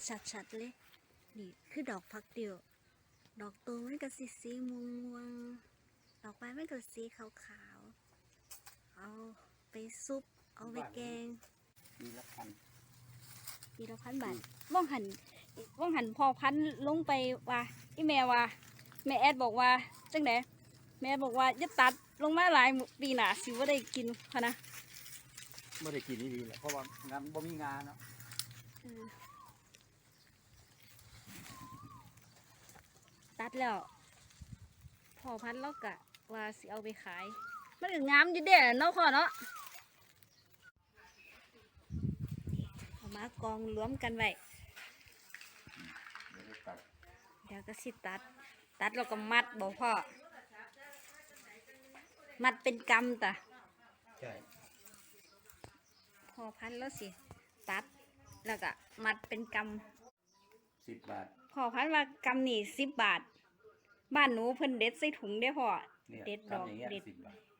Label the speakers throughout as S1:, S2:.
S1: ชัดๆเลยนี่คือดอกผักเดียวดอกตัวมันก็สีม่วงดอกไม้มันก็สีขาวๆเอาไปซุปเอาไปแกง
S2: ปีละพัน
S1: บาทว่องหันพอพันลงไปว่าอีแม่ว่าแม่แอดบอกว่าจังไดแม่บอกว่าจะตัดลงมาหลายปีหนาสิว่าได้กินพะนะ
S2: ไม่ได้กินนี่ดีแหละเพราะว่างานบ่มีงานเนาะ
S1: ตัดแล้วพอพันแล้วกะว่าสิเอาไปขายมันก็งามอยู่เด้เนาะพ่อเนาะเอามากองรวมกันไว้เดี๋ยวก็สิตัดแล้วก็มัดบอกพ่อมัดเป็นกำตะ
S2: ใช่
S1: พอพันแล้วสิตัดแล้วก็มัดเป็นก
S2: ำ10 บาท
S1: พอพันว่ากำนี่10 บาทบ้านหนูเพิ่นเด็ดใส่ถุงได้พ่อเด็ดดอกเด็ด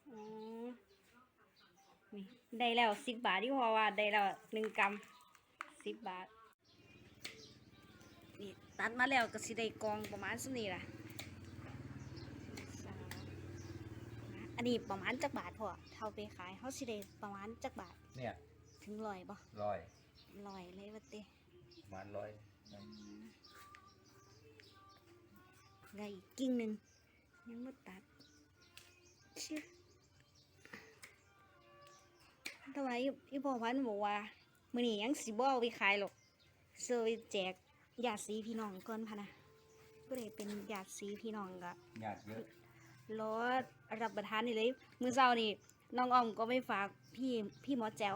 S1: นี่ได้แล้ว10 บาทที่พ่อว่าได้แล้ว1 กำ10 บาทนี่ตัดมาแล้วก็สิได้กองประมาณส่ำนี้ล่ะอันนี้ประมาณจักบาทพ่อเท่าไปขายเขาสิได้ประมาณจักบาท
S2: เนี่ย
S1: ถึง100บ่100เลยว่าติ
S2: ประมาณ100
S1: ได้อีกกิ่งหนึ่งยังไม่ตัดชื่อทำไมอีพ่อพันบอกว่ามื้อนี้ยังสิบ่เอาไปขายหรอกเสิร์ฟแจกญาติสีพี่น้องก่อนพะนะบ่ได้เป็นญาติสีพี่น้องก็
S2: ญาติเยอะ
S1: รอรับประทานนี่เลยมื้อเช้านี่น้องอ้อมก็ไปฝากพี่หมอแจ๋ว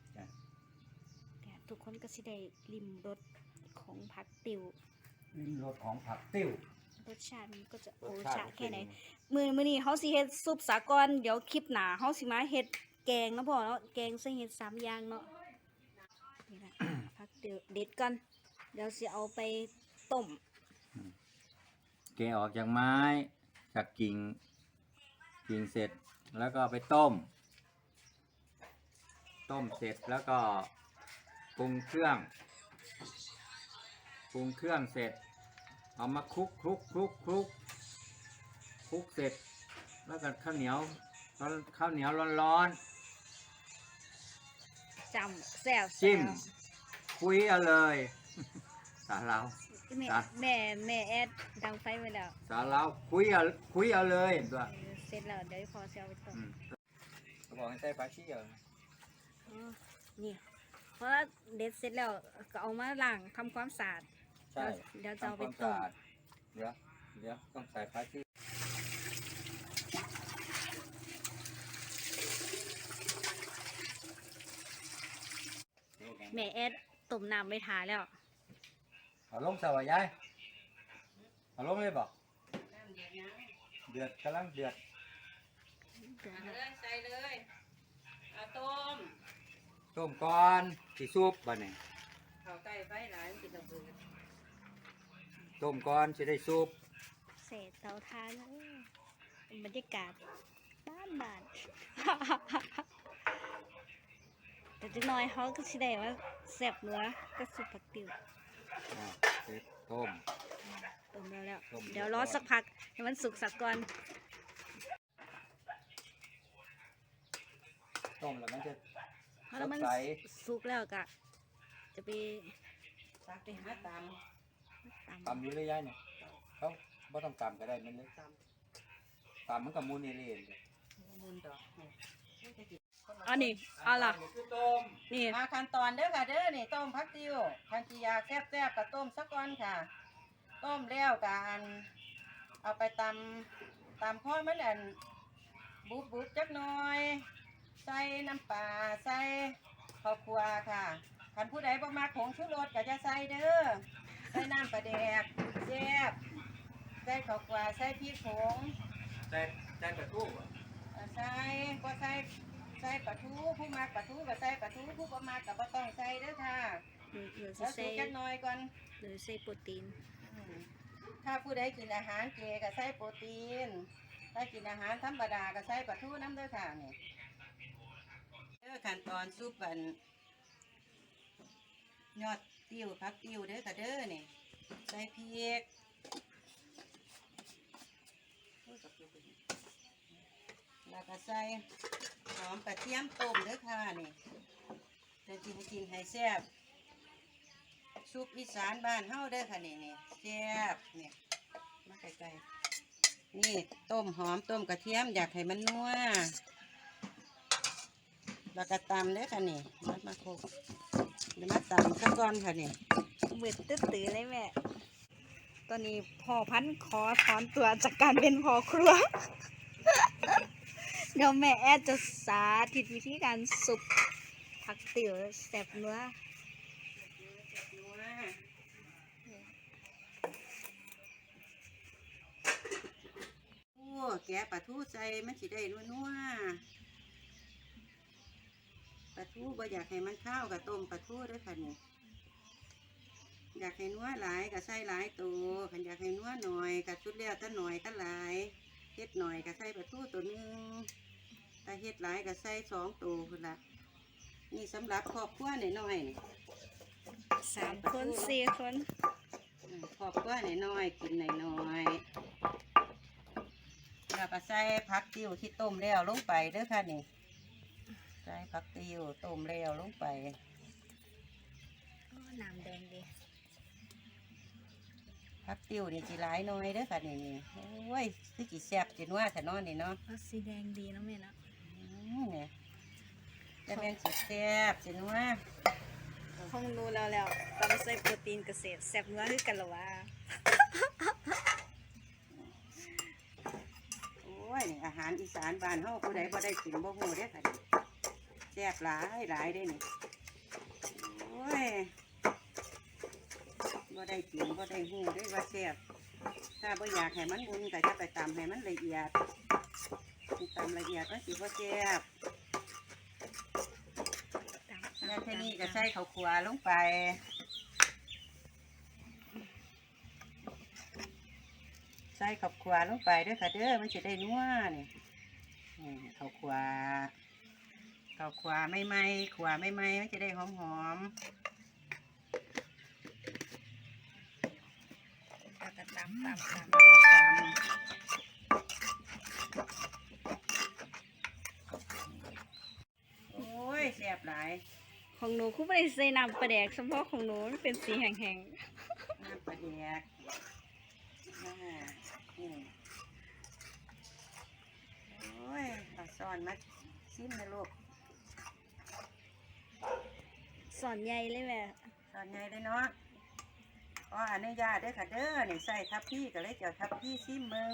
S1: ทุกคนก็สิได้ลิ้มรสของผักติ๋ว
S2: ลิ้มรสของผักติ๋ว
S1: รสชาติมันก็จะโอชาแค่ไหนมื้อนี้เขาสิเฮ็ดซุปสากรเดี๋ยวคลิปหน้าเขาสิมาเฮ็ดแกงเนาะพ่อเนาะแกงใส่เฮ็ด3 อย่างเนาะนี่แหละผักเด็ดก่อนเดี๋ยวสิเอาไปต้ม
S2: แกะออกจากไม้จากกิ่งเสร็จแล้วก็ไปต้มเสร็จแล้วก็ปรุงเครื่องเสร็จเอามาคลุกเสร็จแล้วก็ข้าวเหนียวร้อน
S1: จำแซ่บ
S2: จิ้มคุยเอาเลยสาลาว
S1: แม่แอดดังไฟไว้แล้ว
S2: สาลาวคุยเอาเลยตัว
S1: เสร็จแล้วเดี๋ยวพอเซลไปต้ม
S2: เขาบอกให้ใส่ปลาชี้
S1: นี่เพราะเด็ดเสร็จแล้วก็เอามาล้างทำความสะอาด
S2: ใช่
S1: เดี๋ยวจะเอาไปต้ม
S2: เดี๋ยวต้องใส่ปลาชี้
S1: แม่แอดต้มน้ำไปทาแล้ว
S2: เอาลงใส่ไว้ยายเอาลงเลยบอกเดือดกำลังเดือด
S3: ใส่เลยเอา
S2: ต้มก่อนสิซุปบ่เนี่ย
S3: เขาใกล้ไฟหลายมันติดระเบิด
S2: ต้มก่อนจะได้ซุป
S1: เศษเตาถ่านบรรยากาศบ้านแต่จังน้อยเขาก็สิได้ว่าแซ่บเนื้อก็สุกผักติ๋ว
S2: เสร็จต้ม
S1: แล้วเดี๋ยวรอสักพักให้มันสุกสักก่อน
S2: ต้มแล้วมันจะ
S1: แล้วมันสุกแล้วก็จะไป
S3: หา
S2: ตำอยู่เลยยายเนี่ยเขาไม่ต้องตำก็ได้มันเลยตำมันกับมูนเอเล่
S3: มูนดอก
S1: อันนี้เอาล่ะ
S3: นี่มาขั้นตอนเด้อค่ะเด้อนี่ต้มผักติ๋วคันจีอยากแซ่บๆก็ต้มสักก้อนค่ะต้มแล้วกันเอาไปตำพ่อมันอันบุบจักหน่อยใส่น้ำปลาใส่ข้าวคั่วค่ะคันผู้ใดบ่มักผงชูรสก็จะใส่เด้อใส่น้ำปลาแดกแซ่บใส่ข้าวคั่วใส่พริกผง
S2: ใส่ปลาทู
S3: ใส่ก็ใส่ปลาทูผู้มักปลาทูก็ใส่ปลาทูผู้บ่มักก็บ่ต้องใส่เด้อค่ะแล้วสูตรจักหน่อยก่อน
S1: หรือใส่โปรตีน
S3: ถ้าผู้ใดกินอาหารเจก็ใส่โปรตีนถ้ากินอาหารธรรมดาก็ใส่ปลาทูน้ำเด้อค่ะนี่ขั้นตอนซุปยอดติ้วเด้อค่ะเด้อนี่ใส่พริกแล้วก็ใส่หอมกระเทียมต้มเด้อค่ะนี่จะกินให้แซ่บซุปอีสานบ้านเฮาเด้อค่ะนี่แซ่บเนี่ยมาไกลๆนี่ต้มหอมต้มกระเทียมอยากให้มันนัวแล้วก็ตำเด้อค่ะนี่มาโคกเดี๋ยวมาตำซะก่อนค่ะนี่
S1: มืดตื้อๆเลยแม่ ตอนนี้พ่อพันธุ์ขอถอนตัวจากการเป็นพ่อครัว เดี๋ยวแม่แอดจะสาธิตวิธีการสุกผักติ๋วแซ่บเนื้อ
S3: โอ้แกะปลาทูใส่มันสิได้นัวปลาทูบ่อยากให้มันข้าวกับต้มปลาทูด้วยค่ะนี่อยากให้นัวหลายก็ใส่หลายตัวคันอยากให้นัวหน่อยก็ชุดแล้วแต่หน่อยแต่หลายเฮ็ดหน่อยก็ใส่ปลาทูตัวหนึงถ้าเฮ็ดหลายก็ใส่2 ตัวพุ่นละนี่สำหรับครอบครัวน้อยๆนี่
S1: 3 คน4 คน
S3: ครอบครัวน้อยๆกินน้อยๆแล้วก็ใส่ผักติ้วที่ต้มแล้วลงไปเด้อค่ะนี่ใส่ผักติ้วต้มแล้วลงไป
S1: น้ำแดงดี
S3: ผักติ้วนี่จีหลายน้อยเด้อค่ะนี่โอ้ยคือจีแซ่บจีนัวแต่นอนนี่เนาะ
S1: เอาสีแดงดีเนาะแม่เนาะ
S3: เนี่ยจะเป็นจีแซ่บจีนัว
S1: คงรู้แล้วตอนใส่โปรตีนเกษตรแซ่บเนื้อคือกันเหรอวะ
S3: โอ้ยนี่อาหารอีสานบ้านเฮาผู้ใดบ่ได้กินบ่ฮู้เด้อค่ะนี่แซ่บหลายหลายเด้อนี่โอ้ยบ่ได้กินบ่ได้ฮู้เด้อว่าแซ่บถ้าบ่อยากให้มันบุญก็จะไปตำให้มันละเอียดตำละเอียดมันสิบ่แซ่บแล้วทีนี้ก็ใส่ข้าวคั่วลงไปใส่ข้าวคั่วลงไปเด้อค่ะเด้อมันจะได้นัวนี่ข้าวคั่วไม่ไหม้ขั่วไม่ไหม้มันจะได้หอม
S1: แล้วก็ตำ
S3: ๆแล้วก็โอ้ยแซ่บหลาย
S1: ของหนูคู่ไม่ได้ใส่น้ำปลาแดกเฉพาะของหนูมันเป็นสีแห้ง
S3: น้ำปลาแดกโอ้ยเอาซ่อนมาชิมนะลูก
S1: ๆสอนใหญ่เลยแม่
S3: ตอนไงเลยเนาะขออนุญาตเด้อค่ะเด้อนี่ใส่ทับพี่ก็เลยเจ้าทับพี่ซิมมึง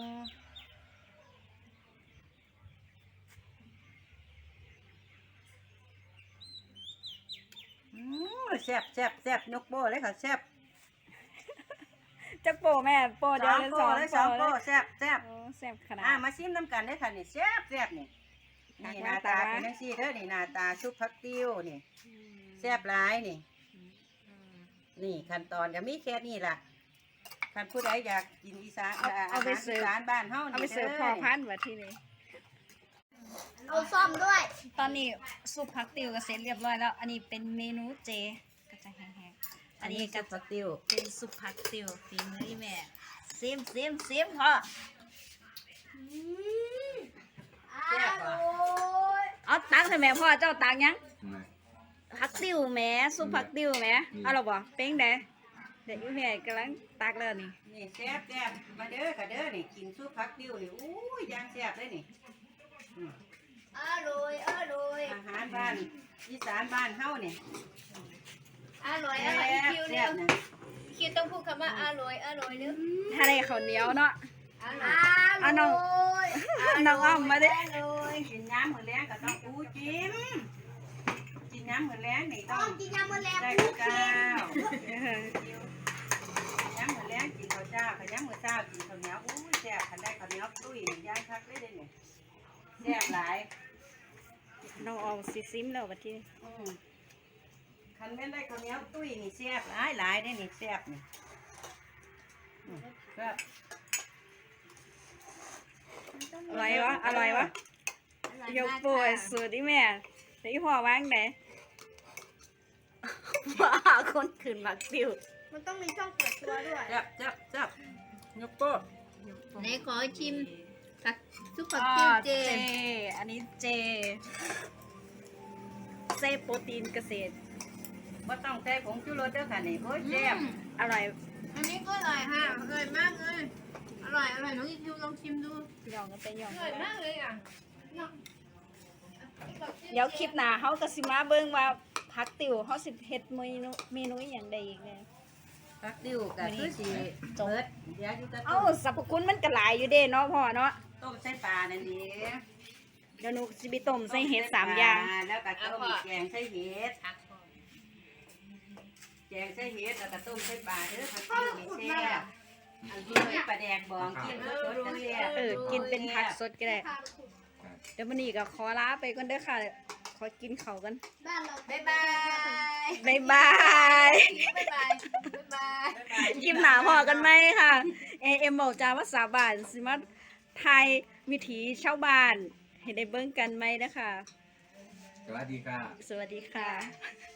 S3: แซ่บยกโป้เลยค่ะแซ่บ
S1: จะโปะแม่โปะเดี๋ยวจะสอน
S3: สองโป้
S1: เลย
S3: แซ่บ
S1: โอ้แซ่บขนาด
S3: มาซิมน้ำกันเด้อค่ะนี่แซ่บนี่นี่หน้าตาเป็นจังซี่เด้อนี่หน้าตาซุปผักติ้วนี่แซ่บหลายนี่นี่ขั้นตอนก็มีแค่นี้ล่ะคันผู้ใดอยากกินอีสานอาหารอีสานบ้านเฮานี่
S1: เอาไปเสิร์ฟพอพันวัดที่นี่
S4: เอาซ่อมด้วย
S1: ตอนนี้ซุปผักติวก็เสร็จเรียบร้อยแล้ว อันนี้เป็นเมนูเจก็จะแห้งๆ อันนี้ก็
S3: ผักติ้ว
S1: เป็นซุปผักติวฝีมือที่แม่ซิมพ่อ
S3: แซ่บบ่
S1: เอาตักให้แม่พ่อเจ้าตักยังผักติวแม่ซุปผักติวแม่เอาหรอบ่เป้งเด้เดี๋ยวอีแม่กำลังตักแล้วนี่
S3: นี่แซ่บมาเด้อค่ะเด้อนี่กินซุปผักติ้วนี่อู้ยย่างแซ่บเลยนี่
S4: อร่อยอร่อย
S3: อาหารบ้านอีสานบ้านเฮานี่
S4: อร่อย
S3: แซ่
S4: อร่อย
S3: บ
S4: คิว
S3: แซ่
S4: เร็
S3: บ
S4: ว
S3: นะ
S4: คิวต้องพูดคำว่าอร่อยอร่อยเร็ว
S1: ถ้าได้ข้าวเหนียวเนาะ
S4: อร่อย
S1: เอาน้องน้องอ้อมมาเด้
S4: อร่อย
S3: กินน้ำมื้อแรงก็ต้องอู้จิ้มกินน้ำมื้อแรงนี่ต้
S4: ต้
S3: อ
S4: อง งกินยำมะแรง
S3: ได้
S4: พู
S3: ข้าว
S4: ด
S3: เจ้าย้ำมื้อแรงกินข้าวเจ้าขย้ำมื้อเช้ากินข้าวเหนียวอู้ยแซ่บคันได้ข้าวเหนียวตุ้ยย่างคักเลยเด้นี่แซ่บหลาย
S1: น้องออมสิซิมแล้วบัดที่นี่
S3: คันแม่นได้ข้าวเหนียวตุ้ยนี่แซ่บหลายได้นี่แซ่บนี่แซ่บ
S1: อร่อยวะยกโปรยสูตรที่แม่แต่อีพ่อวางไหนว่าคนขืนหมักติว
S4: มันต้องมีช่องเปิดตัวด้วย
S3: จับยกโป๊ะ
S4: ไหนขอชิมผักซุปผัก
S1: อ่า
S4: ติ้วเจ
S1: อันนี้เจโปรตีนเกษตร
S3: บ่ต้องใส่ผงชูรสเด้อค่ะนี่โอ้ยแซ่บ
S1: อร่อย
S4: อันนี้ก็อร่อยค่ะอร่อยมากเลยอร่อยน้องอีคิวลองชิมดู
S1: ยองกันไปยอง
S4: อร่อยมากเลยอ่ะ
S1: เดี๋ยวคลิปหน้าเฮาก็สิมาเบิ่งว่าผักติวเฮาสิเฮ็ดเมนูอหย่างใดอีกแน่
S3: ผักติ้วก็คือสิเบิดเดี๋ยวอยู่กับ
S1: เอ้าสรรพคุณมันก็หลายอยู่เด้เนาะพ่อเนาะ
S3: ต้มใส่ปลานั่นเอง
S1: เดี๋ยวหนูสิไปต้มใส่เห็ด3อย่าง
S3: แล้วก็ต้มแกงใส่เห็ดแกงใส่เห็ดแล้วก็ต้มใส่ปลาเด้อผักติ้วนี่แซ่บอันที่มีปลาแดกบองกินสดๆก็แซ่บ
S1: กินเป็นผักสดก็ได้ เดี๋ยววันนี้ก็ขอลาไปก่อนเด้อค่ะ ขอกินข้าวกัน
S4: บ้านเราบ๊ายบาย
S1: บ๊ายบาย
S4: บ๊ายบายบ๊ายบาย
S1: คลิปหนาพอกันไหมค่ะ เอ็มบอกจาภาษาบ้านสิมาไทยวิถีชาวบ้านให้ได้เบิ่งกันไหมนะคะ
S2: สวัสดีค่ะ
S1: สวัสดีค่ะ